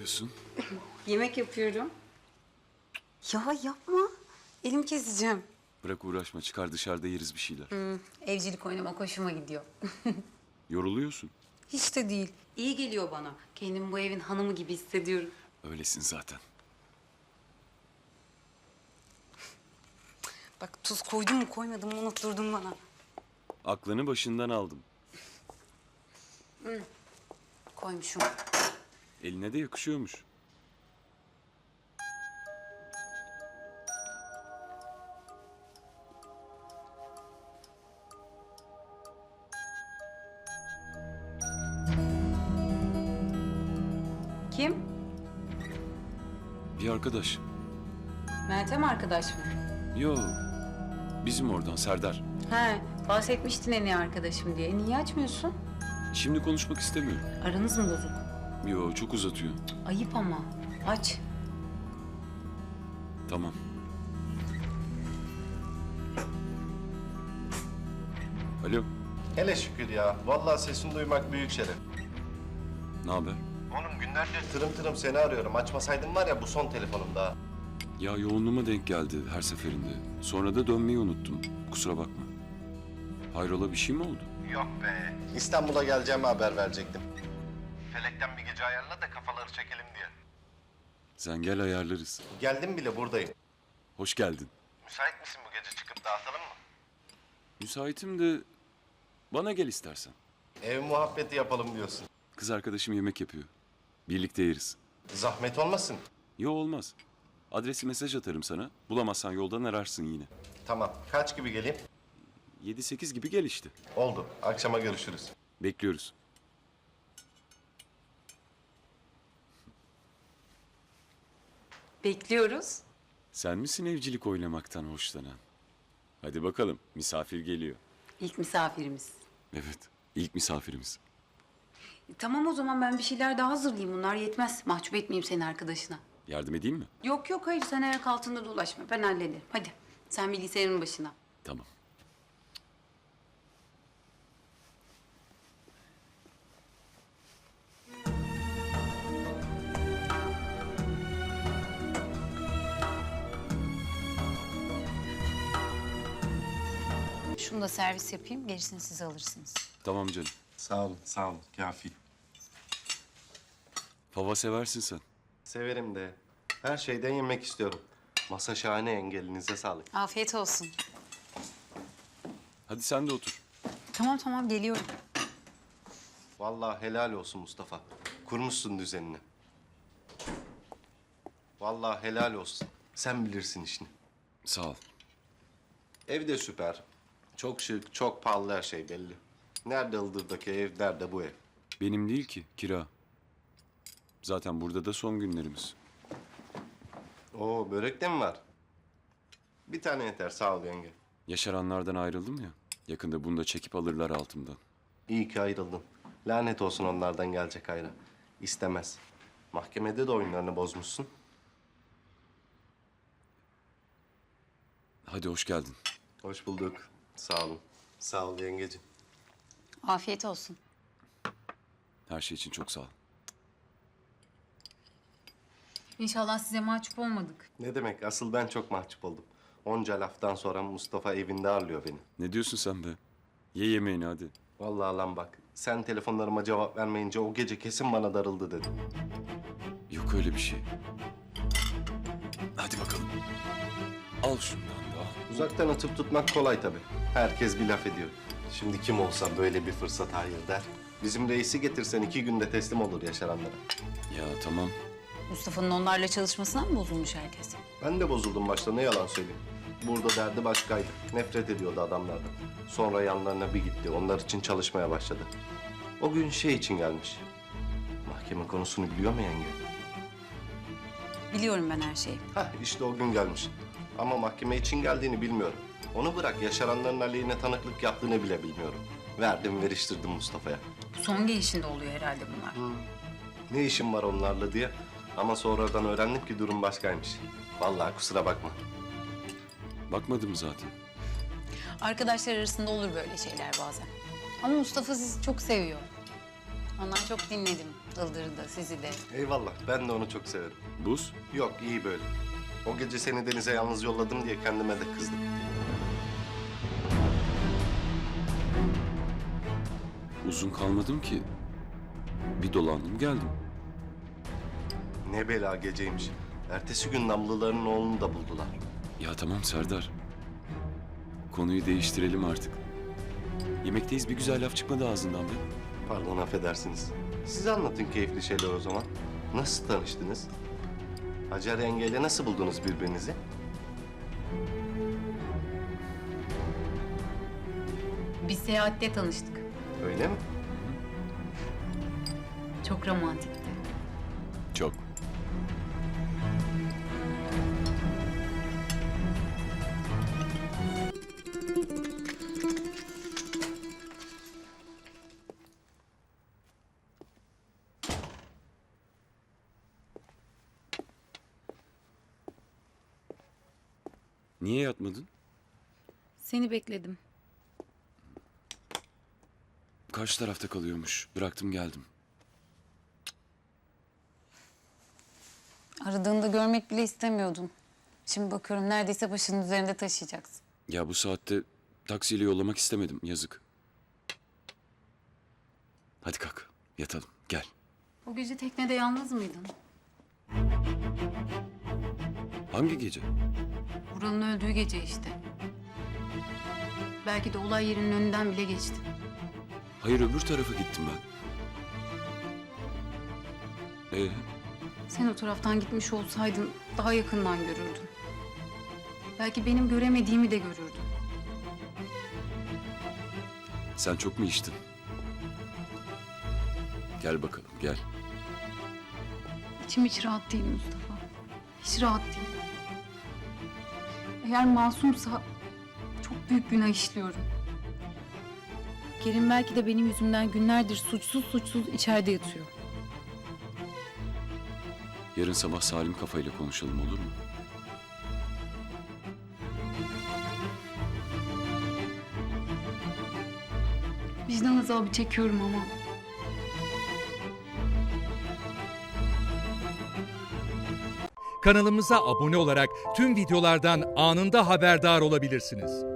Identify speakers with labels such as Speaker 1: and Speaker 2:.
Speaker 1: yapıyorsun?
Speaker 2: Yemek yapıyorum. Ya yapma. Elim keseceğim.
Speaker 1: Bırak uğraşma, çıkar dışarıda yeriz bir şeyler.
Speaker 2: Evcilik oynamak hoşuma gidiyor.
Speaker 1: Yoruluyorsun.
Speaker 2: Hiç de değil. İyi geliyor bana. Kendimi bu evin hanımı gibi hissediyorum.
Speaker 1: Öylesin zaten.
Speaker 2: Bak tuz koydum mu koymadım mı unutturdun bana.
Speaker 1: Aklını başından aldım.
Speaker 2: Koymuşum.
Speaker 1: Eline de yakışıyormuş.
Speaker 2: Kim?
Speaker 1: Bir arkadaş.
Speaker 2: Meltem arkadaş mı?
Speaker 1: Yo, bizim oradan Serdar.
Speaker 2: He, bahsetmiştin en iyi arkadaşım diye. Niye açmıyorsun?
Speaker 1: Şimdi konuşmak istemiyorum.
Speaker 2: Aranız mı bozuk?
Speaker 1: Yo, çok uzatıyor.
Speaker 2: Ayıp ama. Aç.
Speaker 1: Tamam. Alo,
Speaker 3: Hele şükür ya. Vallahi sesini duymak büyük şeref.
Speaker 1: ne haber?
Speaker 3: Oğlum günlerdir tırım tırım seni arıyorum. Açmasaydın var ya bu son telefonum daha.
Speaker 1: Ya yoğunluğuma denk geldi her seferinde. Sonra da dönmeyi unuttum. Kusura bakma. Hayrola bir şey mi oldu?
Speaker 3: Yok be. İstanbul'a geleceğimi haber verecektim. Felekten bir gece ayarla da kafaları çekelim diye.
Speaker 1: Sen gel ayarlarız.
Speaker 3: Geldim bile buradayım.
Speaker 1: Hoş geldin.
Speaker 3: Müsait misin bu gece çıkıp dağıtalım mı?
Speaker 1: Müsaitim de bana gel istersen.
Speaker 3: Ev muhabbeti yapalım diyorsun.
Speaker 1: Kız arkadaşım yemek yapıyor. Birlikte yeriz.
Speaker 3: Zahmet olmasın.
Speaker 1: Yo olmaz. Adresi mesaj atarım sana. Bulamazsan yoldan ararsın yine.
Speaker 3: Tamam. Kaç gibi geleyim?
Speaker 1: 7-8 gibi gel işte.
Speaker 3: Oldu. Akşama görüşürüz.
Speaker 1: Bekliyoruz.
Speaker 2: Bekliyoruz.
Speaker 1: Sen misin evcilik oynamaktan hoşlanan? Hadi bakalım, misafir geliyor.
Speaker 2: İlk misafirimiz.
Speaker 1: Evet, ilk misafirimiz.
Speaker 2: Tamam o zaman ben bir şeyler daha hazırlayayım. Bunlar yetmez. Mahcup etmeyeyim seni arkadaşına.
Speaker 1: Yardım edeyim mi?
Speaker 2: Yok yok hayır sen ayak altında dolaşma. Ben hallederim. Hadi sen bilgisayarın başına.
Speaker 1: Tamam.
Speaker 4: Şunu da servis yapayım, gerisini siz alırsınız.
Speaker 1: Tamam canım.
Speaker 3: Sağ olun. Sağ olun. Kafi.
Speaker 1: Fava seversin sen.
Speaker 3: Severim de. Her şeyden yemek istiyorum. Masa şahane yenge. Elinize sağlık.
Speaker 4: Afiyet olsun.
Speaker 1: Hadi sen de otur.
Speaker 4: Tamam tamam, geliyorum.
Speaker 3: Vallahi helal olsun Mustafa. Kurmuşsun düzenini. Vallahi helal olsun. Sen bilirsin işini.
Speaker 1: Sağ ol.
Speaker 3: Ev de süper. Çok şık, çok pahalı her şey belli. Nerede Ildır'daki ev, nerede bu ev?
Speaker 1: Benim değil ki, kira. Zaten burada da son günlerimiz.
Speaker 3: Oo, börek de mi var? Bir tane yeter, sağ ol yenge.
Speaker 1: Yaşaranlardan ayrıldım ya. Yakında bunu da çekip alırlar altımdan.
Speaker 3: İyi ki ayrıldın. Lanet olsun onlardan gelecek hayra. İstemez. Mahkemede de oyunlarını bozmuşsun.
Speaker 1: Hadi hoş geldin.
Speaker 3: Hoş bulduk. Sağ olun. Sağ ol yengeciğim.
Speaker 4: Afiyet olsun.
Speaker 1: Her şey için çok sağ ol.
Speaker 2: İnşallah size mahcup olmadık.
Speaker 3: Ne demek? Asıl ben çok mahcup oldum. Onca laftan sonra Mustafa evinde ağırlıyor beni.
Speaker 1: Ne diyorsun sen be? Ye yemeğini hadi.
Speaker 3: Vallahi lan bak, sen telefonlarıma cevap vermeyince o gece kesin bana darıldı dedim.
Speaker 1: Yok öyle bir şey. Hadi bakalım. Al şundan da al.
Speaker 3: Uzaktan atıp tutmak kolay tabii. Herkes bir laf ediyor. Şimdi kim olsa böyle bir fırsat hayır der. Bizim reisi getirsen 2 günde teslim olur yaşaranlara.
Speaker 1: Ya tamam.
Speaker 4: Mustafa'nın onlarla çalışmasına mı bozulmuş herkes?
Speaker 3: Ben de bozuldum başta, ne yalan söyleyeyim. Burada derdi başkaydı. Nefret ediyordu adamlardan. Sonra yanlarına bir gitti. Onlar için çalışmaya başladı. O gün şey için gelmiş. Mahkeme konusunu biliyor mu yenge?
Speaker 4: Biliyorum ben her şeyi.
Speaker 3: Hah, işte o gün gelmiş. Ama mahkeme için geldiğini bilmiyorum. Onu bırak, yaşaranların aleyhine tanıklık yaptığını bile bilmiyorum. Verdim, veriştirdim Mustafa'ya.
Speaker 2: Bu son gelişinde oluyor herhalde bunlar.
Speaker 3: Ne işim var onlarla diye. Ama sonradan öğrendim ki durum başkaymış. Vallahi kusura bakma.
Speaker 1: Bakmadım zaten.
Speaker 4: Arkadaşlar arasında olur böyle şeyler bazen. Ama Mustafa sizi çok seviyor.
Speaker 2: Onlar çok dinledim. Ildır'ı da, sizi de.
Speaker 3: Eyvallah, ben de onu çok severim.
Speaker 1: Buz?
Speaker 3: Yok, iyi böyle. O gece seni denize yalnız yolladım diye kendime de kızdım.
Speaker 1: Uzun kalmadım ki. Bir dolandım geldim.
Speaker 3: Ne bela geceymiş. Ertesi gün Namlıların oğlunu da buldular.
Speaker 1: Ya tamam Serdar. Konuyu değiştirelim artık. Yemekteyiz, bir güzel laf çıkmadı ağzından be.
Speaker 3: Pardon, affedersiniz. Siz anlatın keyifli şeyler o zaman. Nasıl tanıştınız? Hacer yengeyle nasıl buldunuz birbirinizi?
Speaker 2: Bir seyahatte tanıştık.
Speaker 3: Öyle mi?
Speaker 2: Çok romantikti.
Speaker 1: Çok. Niye yatmadın?
Speaker 2: Seni bekledim.
Speaker 1: Karşı tarafta kalıyormuş. Bıraktım geldim.
Speaker 2: Aradığında görmek bile istemiyordum. Şimdi bakıyorum neredeyse başının üzerinde taşıyacaksın.
Speaker 1: Ya bu saatte taksiyle yollamak istemedim. Yazık. Hadi kalk. Yatalım. Gel.
Speaker 2: O gece teknede yalnız mıydın?
Speaker 1: Hangi gece?
Speaker 2: Vural'ın öldüğü gece işte. Belki de olay yerinin önünden bile geçti.
Speaker 1: Hayır, öbür tarafa gittim ben.
Speaker 2: Sen o taraftan gitmiş olsaydın daha yakından görürdün. Belki benim göremediğimi de görürdün.
Speaker 1: Sen çok mu içtin? Gel bakalım, gel.
Speaker 2: İçim hiç rahat değil Mustafa. Hiç rahat değil. Eğer masumsa çok büyük günah işliyorum. Kerim belki de benim yüzümden günlerdir suçsuz içeride yatıyor.
Speaker 1: Yarın sabah salim kafayla konuşalım, olur mu?
Speaker 2: Vicdan azabı çekiyorum ama.
Speaker 5: Kanalımıza abone olarak tüm videolardan anında haberdar olabilirsiniz.